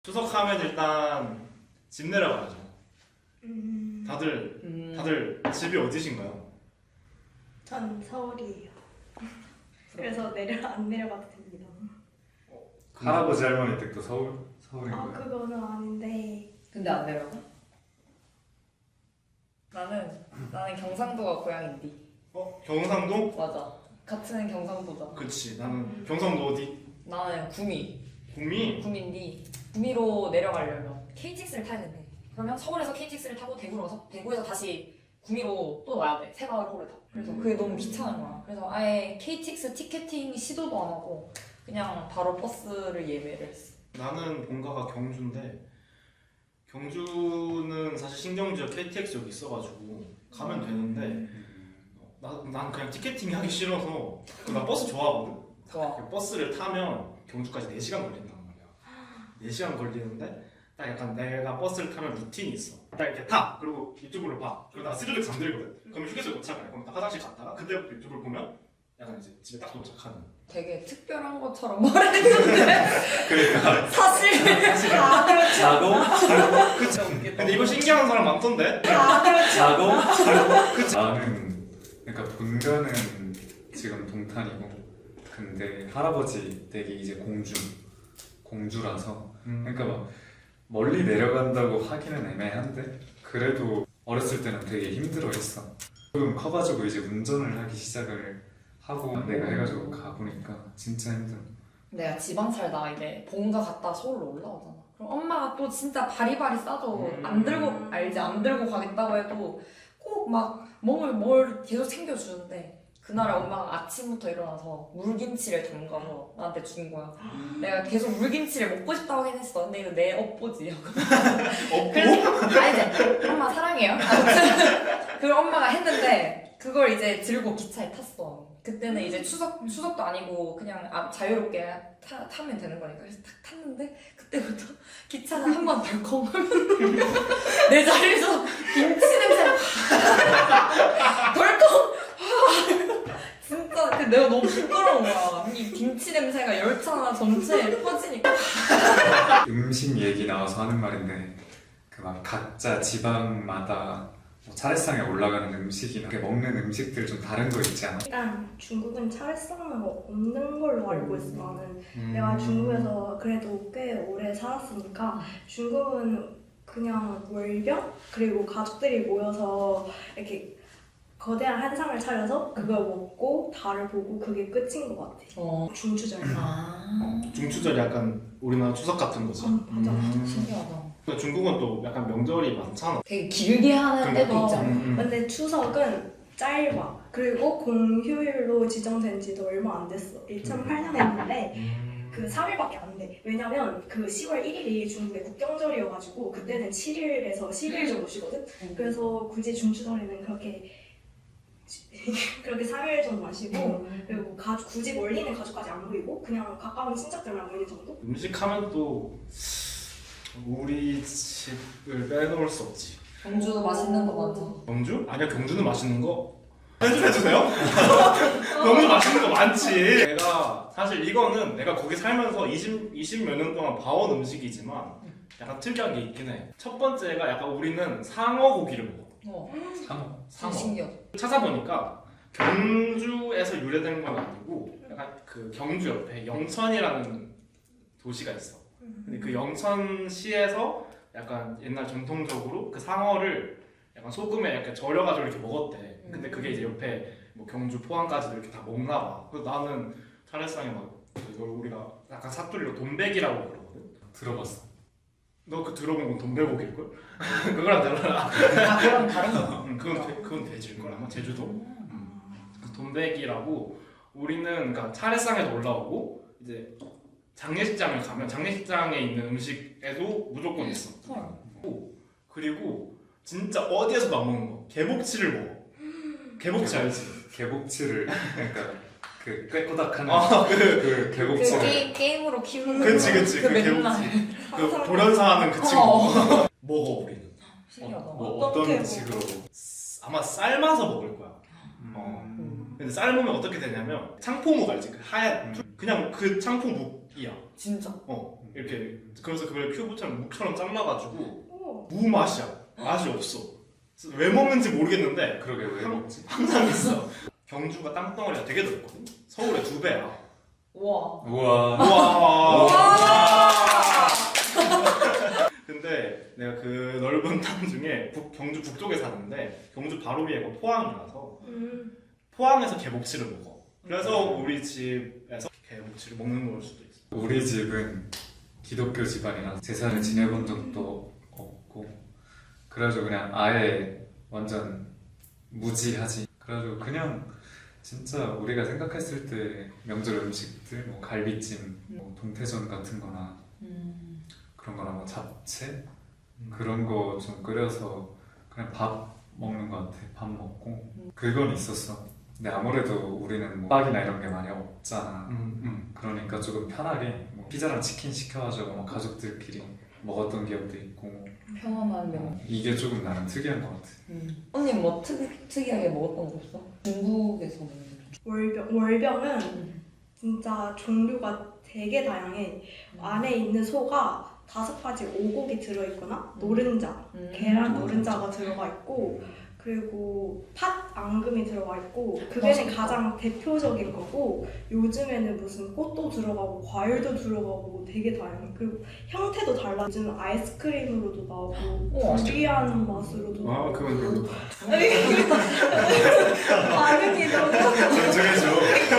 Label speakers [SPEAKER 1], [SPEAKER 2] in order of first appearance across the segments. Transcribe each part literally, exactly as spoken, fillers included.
[SPEAKER 1] 추석하면 일단 집 내려가야죠.
[SPEAKER 2] 음,
[SPEAKER 1] 다들
[SPEAKER 3] 음.
[SPEAKER 1] 다들 집이 어디신가요?
[SPEAKER 2] 전 서울이에요. 그래서 내려 안 내려가도 됩니다.
[SPEAKER 4] 할아버지 할머니 댁도 서울? 서울인
[SPEAKER 2] 아
[SPEAKER 4] 거예요?
[SPEAKER 2] 그거는 아닌데
[SPEAKER 3] 근데 안 내려가? 나는 나는 경상도가 고향인데.
[SPEAKER 1] 어? 경상도?
[SPEAKER 3] 맞아. 같은 경상도잖아.
[SPEAKER 1] 그치. 나는 경상도 어디?
[SPEAKER 3] 나는 구미.
[SPEAKER 1] 구미?
[SPEAKER 3] 구미인데 구미로 내려가려면 케이티엑스를 타야 된대. 그러면 서울에서 케이티엑스를 타고 대구로 가서 대구에서 다시 구미로 또 와야 돼. 새마을호를 타. 그래서 그게 너무 귀찮은 거야. 그래서 아예 케이티엑스 티켓팅 시도도 안 하고 그냥 바로 버스를 예매를 했어.
[SPEAKER 1] 나는 본가가 경주인데 경주는 사실 신경지역 케이티엑스역이 있어가지고 가면 되는데 나, 난 그냥 티켓팅이 하기 싫어서 나 버스 좋아하거든?
[SPEAKER 3] 좋아.
[SPEAKER 1] 그 버스를 타면 경주까지 네 시간 걸린단 말이야. 네 시간 걸리는데 딱 약간 내가 버스를 타면 루틴이 있어. 딱 이렇게 타! 그리고 유튜브를 봐. 그리고 나 스르륵 잠들거든? 그러면 휴게소에 도착해. 그럼 딱 화장실 갔다가 그때부터 유튜브를 보면 약간 이제 집에 딱 도착하는.
[SPEAKER 3] 되게 특별한 것처럼 말했는데
[SPEAKER 1] 그러니까
[SPEAKER 3] 사실
[SPEAKER 2] 아 그렇죠.
[SPEAKER 4] 자고?
[SPEAKER 1] 그쵸. 근데 이거 신기한 사람 많던데?
[SPEAKER 2] 아 그렇죠.
[SPEAKER 4] 자고? 나는 그러니까 본가는 지금 동탄이고 근데 할아버지 댁이 이제 공주 공주라서 그러니까 막 멀리 내려간다고 하기는 애매한데 그래도 어렸을 때는 되게 힘들어했어. 조금 커가지고 이제 운전을 하기 시작을 하고 내가 해가지고 가보니까 진짜 힘들어.
[SPEAKER 3] 내가 지방 살다가 이제 본가 갔다 서울로 올라오잖아. 그럼 엄마가 또 진짜 바리바리 싸줘.
[SPEAKER 1] 음.
[SPEAKER 3] 안 들고 알지? 안 들고 가겠다고 해도 꼭 막 뭘 뭘 계속 챙겨주는데 그날에 엄마가 아침부터 일어나서 물김치를 담가서 나한테 준 거야. 내가 계속 물김치를 먹고 싶다고 하긴 했어. 근데 이거 내 업보지.
[SPEAKER 1] 없고?
[SPEAKER 3] 그래서 아니지. 엄마 사랑해요. 아무튼 그걸 엄마가 했는데 그걸 이제 들고 기차에 탔어. 그때는 이제 추석 추석도 아니고 그냥 아, 자유롭게 타, 타면 되는 거니까 그래서 탁 탔는데 그때부터 기차는 한 번 덜컹하면 내 자리에서 김치 냄새가 덜컹. 진짜 그 내가 너무 부끄러운 거야. 이 김치 냄새가 열차 전체에 퍼지니까.
[SPEAKER 4] 음식 얘기 나와서 하는 말인데 그 막 각자 지방마다 뭐 차례상에 올라가는 음식이나 이렇게 먹는 음식들 좀 다른 거 있지 않아?
[SPEAKER 2] 일단 중국은 차례상은 없는 걸로 알고 있어. 나는
[SPEAKER 1] 음.
[SPEAKER 2] 내가 중국에서 그래도 꽤 오래 살았으니까 중국은 그냥 월병 그리고 가족들이 모여서 이렇게 거대한 한상을 차려서 그걸 먹고 달을 보고 그게 끝인 것 같아.
[SPEAKER 3] 어.
[SPEAKER 2] 중추절.
[SPEAKER 3] 아.
[SPEAKER 1] 중추절이 약간 우리나라 추석 같은 거지.
[SPEAKER 2] 음, 맞아.
[SPEAKER 1] 음.
[SPEAKER 3] 신기하다.
[SPEAKER 1] 근데 중국은 또 약간 명절이 많잖아.
[SPEAKER 3] 되게 길게 하는 때도
[SPEAKER 2] 어.
[SPEAKER 3] 있잖아.
[SPEAKER 1] 음.
[SPEAKER 2] 근데 추석은 짧아. 그리고 공휴일로 지정된 지도 얼마 안 됐어. 이천팔 년에 했는데
[SPEAKER 1] 음.
[SPEAKER 2] 그 삼 일밖에 안 돼. 왜냐면 그 시월 일 일이 중국의 국경절이어가지고 그때는 칠 일에서 십 일 정도 쉬거든. 그래서 굳이 중추절에는 그렇게 그렇게 삼 일 정도만 쉬고 그리고 가족, 굳이 멀리 있는 가족까지 안 모이고 그냥 가까운 친척들만 모이는 정도?
[SPEAKER 1] 음식하면 또 우리 집을 빼놓을 수 없지.
[SPEAKER 3] 경주도 맛있는 거 많잖아.
[SPEAKER 1] 경주? 아니야, 경주는 맛있는 거 해주, 해주세요? 경주 맛있는 거 많지. 내가 사실 이거는 내가 거기 살면서 이십, 이십 몇 년 동안 봐온 음식이지만 약간 특이한 게 있긴 해. 첫 번째가 약간 우리는 상어 고기를 먹어.
[SPEAKER 3] 어.
[SPEAKER 4] 상어?
[SPEAKER 1] 상어.
[SPEAKER 3] 신기하다.
[SPEAKER 1] 찾아보니까 경주에서 유래된 건 아니고 약간 그 경주 옆에 영천이라는 도시가 있어. 근데 그 영천시에서 약간 옛날 전통적으로 그 상어를 약간 소금에 약간 절여가지고 이렇게 먹었대. 근데 그게 이제 옆에 뭐 경주 포항까지도 이렇게 다 먹나 봐. 그래서 나는 차례상에 막 이걸 우리가 약간 사투리로 돈베기라고 그러거든.
[SPEAKER 4] 들어봤어.
[SPEAKER 1] 너 그 들어본 건 돈베고기일걸? 그거랑 달라.
[SPEAKER 3] 아, 그럼 다른 거.
[SPEAKER 1] 응, 그건 돼, 그건 돼지일걸 아마 제주도. 음. 그 돈베기라고 우리는 그러니까 차례상에도 올라오고 이제 장례식장을 가면 장례식장에 있는 음식에도 무조건 있어. 오, 그리고 진짜 어디에서도 안 먹는 거. 개복치를 먹어. 개복치 알지?
[SPEAKER 4] 개복치를 그러니까 그 꾀꼬닥하는
[SPEAKER 1] 아, 그,
[SPEAKER 4] 그
[SPEAKER 3] 그
[SPEAKER 4] 개복치.
[SPEAKER 3] 게임, 게임으로 키우는 거.
[SPEAKER 1] 그치 그치
[SPEAKER 3] 그
[SPEAKER 1] 그
[SPEAKER 3] 맨날.
[SPEAKER 1] 개복치. 그 돌연사하는 그 친구.
[SPEAKER 3] 어.
[SPEAKER 1] 먹어 우리는.
[SPEAKER 3] 신기하다.
[SPEAKER 4] 뭐
[SPEAKER 2] 어떻게
[SPEAKER 4] 어떤
[SPEAKER 2] 먹어?
[SPEAKER 4] 식으로?
[SPEAKER 1] 아마 삶아서 먹을 거야.
[SPEAKER 4] 음.
[SPEAKER 1] 어. 근데 삶으면 어떻게 되냐면 창포묵 알지? 그 하얀
[SPEAKER 4] 음.
[SPEAKER 1] 그냥 그 창포묵이야.
[SPEAKER 3] 진짜.
[SPEAKER 1] 어 이렇게 그래서 그걸 큐브처럼 묵처럼 잘라가지고
[SPEAKER 2] 오.
[SPEAKER 1] 무 맛이야. 맛이 없어. 그래서 왜 먹는지 모르겠는데
[SPEAKER 4] 그러게 왜
[SPEAKER 1] 한-
[SPEAKER 4] 먹지?
[SPEAKER 1] 항상 있어. 경주가 땅덩어리가 되게 넓거든. 서울의 두 배야.
[SPEAKER 3] 와.
[SPEAKER 4] 우와.
[SPEAKER 1] 와.
[SPEAKER 3] 와.
[SPEAKER 1] 근데 내가 그 넓은 땅 중에 북, 경주 북쪽에 사는데 경주 바로 위에가 포항이라서
[SPEAKER 2] 음.
[SPEAKER 1] 포항에서 개복치를 먹어. 그래서 우리 집에서 개복치를 먹는 걸 수도 있어.
[SPEAKER 4] 우리 집은 기독교 집안이라 제사를 지내본 적도 없고 그래가지고 그냥 아예 완전 무지하지. 그래가지고 그냥 진짜 우리가 생각했을 때 명절 음식들 뭐 갈비찜, 뭐 동태전 같은 거나
[SPEAKER 3] 음.
[SPEAKER 4] 그런 거나 뭐 잡채 그런 거 좀 끓여서 그냥 밥 먹는 거 같아. 밥 먹고 그건 있었어. 근데 아무래도 우리는 뭐 빵이나 이런 게 많이 없잖아.
[SPEAKER 1] 음, 음.
[SPEAKER 4] 그러니까 조금 편하게 뭐 피자랑 치킨 시켜가지고 뭐 가족들끼리 먹었던 기억도 있고
[SPEAKER 3] 평범한 명.
[SPEAKER 4] 이게 조금 나는 특이한 것 같아.
[SPEAKER 3] 음. 언니 뭐 특, 특이하게 먹었던 거 없어? 중국에서 먹는
[SPEAKER 2] 월병 월병은
[SPEAKER 3] 음.
[SPEAKER 2] 진짜 종류가 되게 다양해. 안에 있는 소가 다섯 가지 오곡이 들어있거나 노른자,
[SPEAKER 3] 음.
[SPEAKER 2] 계란 노른자가 들어가 있고 그리고 팥 앙금이 들어가 있고 그게
[SPEAKER 3] 맛있겠다.
[SPEAKER 2] 가장 대표적인 거고 요즘에는 무슨 꽃도 들어가고 과일도 들어가고 되게 다양해. 그리고 형태도 달라. 요즘 아이스크림으로도 나오고
[SPEAKER 3] 우와.
[SPEAKER 2] 두리안 맛으로도
[SPEAKER 1] 아
[SPEAKER 2] 나오고
[SPEAKER 1] 그건 별로.
[SPEAKER 2] 반응이 너무
[SPEAKER 1] 존중해줘.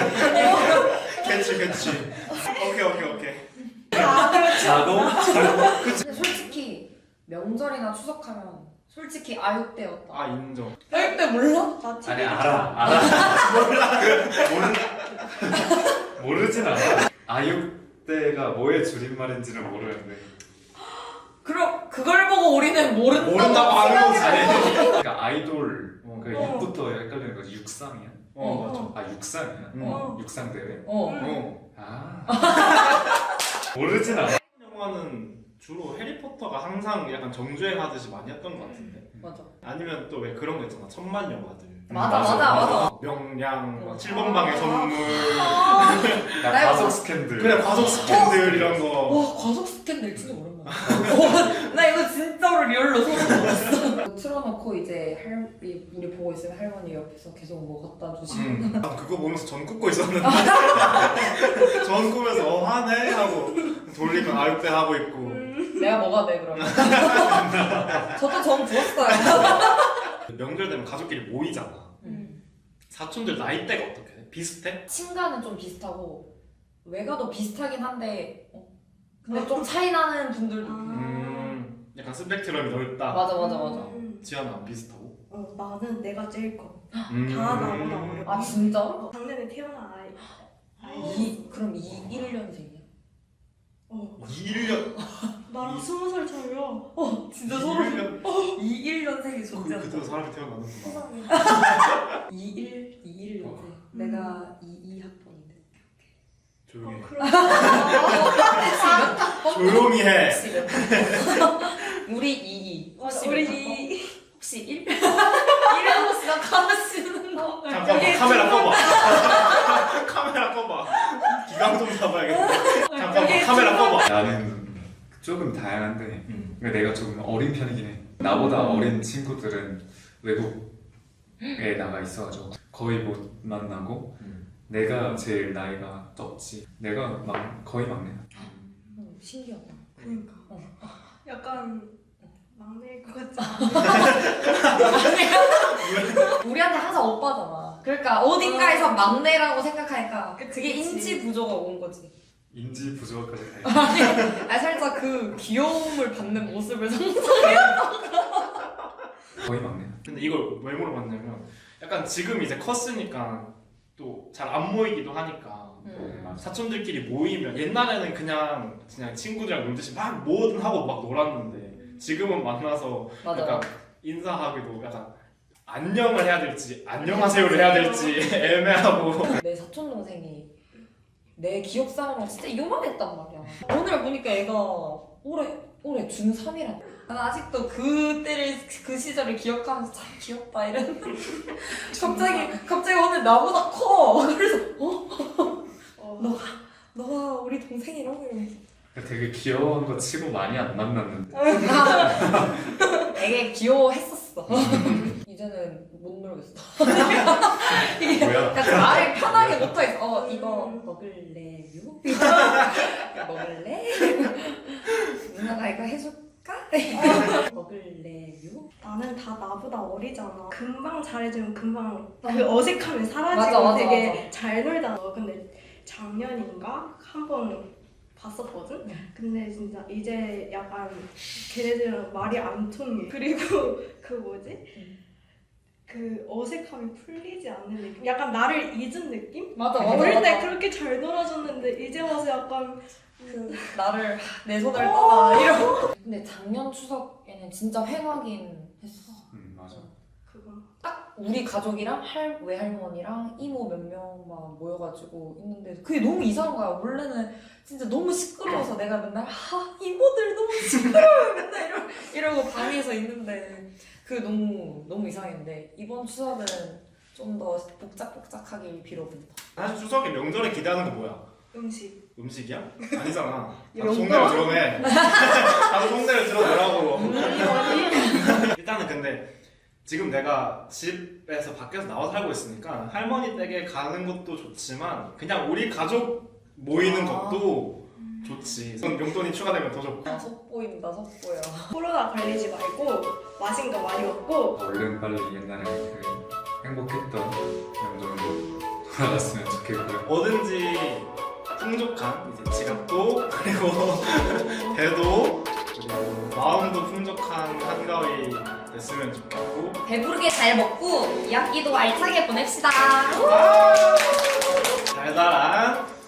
[SPEAKER 1] 캐치 캐치. 오케이 오케이 오케이.
[SPEAKER 4] 자동?
[SPEAKER 3] 근데 솔직히 명절이나 추석하면 솔직히 아육대였다.
[SPEAKER 1] 아 인정.
[SPEAKER 3] 아육대 몰라?
[SPEAKER 2] 나
[SPEAKER 4] 아니
[SPEAKER 2] 티
[SPEAKER 4] 알아 알아. 몰라. 모르 모르진 않아. 아육대가 뭐의 줄임말인지는 모르는데.
[SPEAKER 3] 그럼 그걸 보고 우리는 모른다고,
[SPEAKER 1] 모른다고 하는 거지.
[SPEAKER 3] 생각해서
[SPEAKER 4] 그러니까 아이돌
[SPEAKER 1] 어.
[SPEAKER 4] 그
[SPEAKER 2] 어.
[SPEAKER 4] 입부터 헷갈리는 거지. 육상이야?
[SPEAKER 1] 어 맞아.
[SPEAKER 4] 아 육상이야?
[SPEAKER 1] 응.
[SPEAKER 2] 어.
[SPEAKER 4] 육상 대회?
[SPEAKER 3] 어.
[SPEAKER 1] 어.
[SPEAKER 4] 아 모르진 않아.
[SPEAKER 1] 영화는 주로 해리포터가 항상 약간 정주행하듯이 많이 했던 것 같은데.
[SPEAKER 3] 맞아.
[SPEAKER 1] 아니면 또 왜 그런 거 있잖아. 천만 영화들.
[SPEAKER 3] 맞아
[SPEAKER 4] 맞아,
[SPEAKER 3] 맞아 맞아.
[SPEAKER 1] 명량,
[SPEAKER 3] 어.
[SPEAKER 1] 칠 번 방의 선물.
[SPEAKER 4] 나
[SPEAKER 3] 나
[SPEAKER 4] 가족
[SPEAKER 3] 이거-
[SPEAKER 4] 스캔들.
[SPEAKER 1] 그래 과속 스캔들 이런 거.
[SPEAKER 3] 와 과속 스캔들 진짜 오랜만에. 와, 나 이거 진짜로 리얼로 소름 돋았어. 틀어놓고 이제 할 우리 보고 있으면 할머니 옆에서 계속 뭐 갖다 주시고.
[SPEAKER 1] 음. 아, 그거 보면서 전 굽고 있었는데. 전 꾸면서 어 하네 하고 돌리면 아육대 하고 있고.
[SPEAKER 3] 내가 뭐가 돼 그러면? 저도 전 부었어요.
[SPEAKER 1] 명절 되면 가족끼리 모이잖아.
[SPEAKER 3] 음.
[SPEAKER 1] 사촌들 나이대가 어떻게 돼? 비슷해?
[SPEAKER 3] 친가는 좀 비슷하고 외가도 비슷하긴 한데 어? 근데 좀 차이 나는 분들도
[SPEAKER 2] 아.
[SPEAKER 1] 음, 약간 스펙트럼이 넓다.
[SPEAKER 3] 맞아 맞아 맞아.
[SPEAKER 2] 음.
[SPEAKER 1] 지연아 비슷하고?
[SPEAKER 2] 어, 나는 내가 제일 커.
[SPEAKER 1] 음.
[SPEAKER 2] 다 나보다 어려.
[SPEAKER 3] 아 진짜?
[SPEAKER 2] 작년에 태어난 아이. 아이.
[SPEAKER 3] 이 그럼 이일 년생이야?
[SPEAKER 2] 어.
[SPEAKER 1] 이일 년.
[SPEAKER 2] 나랑
[SPEAKER 1] 이-
[SPEAKER 2] 스무 살 차이야.
[SPEAKER 3] 어 진짜
[SPEAKER 1] 이일 년.
[SPEAKER 3] 이일 년생이
[SPEAKER 1] 그,
[SPEAKER 3] 존재.
[SPEAKER 1] 그때도 사람이 태어나는구나.
[SPEAKER 3] 이일 이일 년생.
[SPEAKER 1] 어.
[SPEAKER 3] 내가 이이 학번인데.
[SPEAKER 1] 조용히 해.
[SPEAKER 2] 어, 그럼.
[SPEAKER 1] 조용히 해.
[SPEAKER 3] 혹시 몇 번? 우리 이이. 혹시
[SPEAKER 2] 우리
[SPEAKER 3] 몇 번?
[SPEAKER 2] 이
[SPEAKER 3] 혹시 일? 일에서 시작하시는 거.
[SPEAKER 1] 잠깐만 카메라 꺼봐. 카메라 꺼봐. 기강 좀 잡아야겠다. 잠깐만 카메라 꺼봐.
[SPEAKER 4] 나는 조금 다양한데
[SPEAKER 1] 음.
[SPEAKER 4] 근데 내가 조금 어린 편이긴 해. 나보다 어린 친구들은 외국에 나가 있어가지고 거의 못 만나고
[SPEAKER 1] 음.
[SPEAKER 4] 내가 제일 나이가 적지. 내가 막 거의 막내야.
[SPEAKER 3] 어, 신기하다.
[SPEAKER 2] 그러니까.
[SPEAKER 3] 어.
[SPEAKER 2] 약간 막내일 것 같지 않아?
[SPEAKER 3] 우리한테 항상 오빠잖아. 그러니까 어딘가에서 막내라고 생각하니까
[SPEAKER 2] 그치,
[SPEAKER 3] 그게
[SPEAKER 2] 그치.
[SPEAKER 3] 인지 부조가 온 거지.
[SPEAKER 4] 인지 부조화까지 다 있어.
[SPEAKER 3] 아 살짝 그 귀여움을 받는 모습을 상상해.
[SPEAKER 4] 거의 막내야.
[SPEAKER 1] 근데 이걸 왜 물어봤냐면 약간 지금 이제 컸으니까 또 잘 안 모이기도 하니까
[SPEAKER 3] 음.
[SPEAKER 4] 맞아.
[SPEAKER 1] 사촌들끼리 모이면 옛날에는 그냥 그냥 친구들이랑 놀듯이 막 뭐든 하고 막 놀았는데 지금은 만나서
[SPEAKER 3] 맞아.
[SPEAKER 1] 약간 인사하기도 약간 안녕을 해야 될지 안녕하세요를 해야 될지 애매하고
[SPEAKER 3] 내 사촌 동생이 내 기억상으로 진짜 요만했단 말이야. 오늘 보니까 애가 올해 올해 중삼이라. 난 아직도 그때를 그 시절을 기억하면서 참 귀엽다 이런. 갑자기 갑자기 오늘 나보다 커. 그래서 어
[SPEAKER 2] 어,
[SPEAKER 3] 너가 너가 우리 동생이라고 이러면서.
[SPEAKER 4] 되게 귀여운 거 치고 많이 안 만났는데.
[SPEAKER 3] 되게 귀여워했었어. 이제는 못 놀겠어. 이게
[SPEAKER 4] 뭐야?
[SPEAKER 3] 약간 말을 편하게 못하겠어. 어 이거 먹을래요? 이거 먹을래? 누나가 이거 해줄까? 먹을래요?
[SPEAKER 2] 나는 다 나보다 어리잖아. 금방 잘해주면 금방 그 어색함이 사라지고
[SPEAKER 3] 맞아, 맞아,
[SPEAKER 2] 되게
[SPEAKER 3] 맞아.
[SPEAKER 2] 잘 놀잖아. 근데 작년인가 한 번 봤었거든? 근데 진짜 이제 약간 걔네들은 말이 안 통해. 그리고 그 뭐지? 그 어색함이 풀리지 않는 느낌? 약간 나를 잊은 느낌?
[SPEAKER 3] 맞아 맞아.
[SPEAKER 2] 어릴 때
[SPEAKER 3] 맞아.
[SPEAKER 2] 그렇게 잘 놀아줬는데 이제 와서 약간
[SPEAKER 3] 그 나를 내 손을 떠나 이러고. 근데 작년 추석에는 진짜 횡하긴 했어.
[SPEAKER 4] 음 맞아.
[SPEAKER 2] 그건
[SPEAKER 3] 딱 우리 가족이랑 할 외할머니랑 이모 몇 명만 모여가지고 있는데 그게 너무 이상한 거야. 원래는 진짜 너무 시끄러워서 내가 맨날 아 이모들 너무 시끄러워요 맨날 이러, 이러고 방에서 있는데 그게 너무 너무 이상했는데 이번 추석은 좀 더 복작복작하길 빌어본다.
[SPEAKER 1] 사실 추석에 명절에 기대하는 거 뭐야?
[SPEAKER 2] 음식.
[SPEAKER 1] 음식이야? 아니잖아. 나도
[SPEAKER 2] 영광?
[SPEAKER 1] 속내를 드러내. 나도 속내를 드러내라고. 일단은 근데 지금 내가 집에서 밖에서 나와 살고 있으니까 할머니 댁에 가는 것도 좋지만 그냥 우리 가족 모이는
[SPEAKER 3] 아.
[SPEAKER 1] 것도 좋지. 그럼 용돈이 추가되면 더 좋고.
[SPEAKER 3] 아 속보인다 속보야.
[SPEAKER 2] 코로나 걸리지 말고 맛있는 거 많이 먹고
[SPEAKER 4] 얼른 빨리 옛날에 그 행복했던 명절로 돌아갔으면 좋겠고요.
[SPEAKER 1] 뭐든지 풍족한 이제 지갑도 그리고 배도 그리고 마음도 풍족한 한가위 됐으면 좋겠고
[SPEAKER 3] 배부르게 잘 먹고 이 학기도 알차게 보냅시다.
[SPEAKER 1] 달달한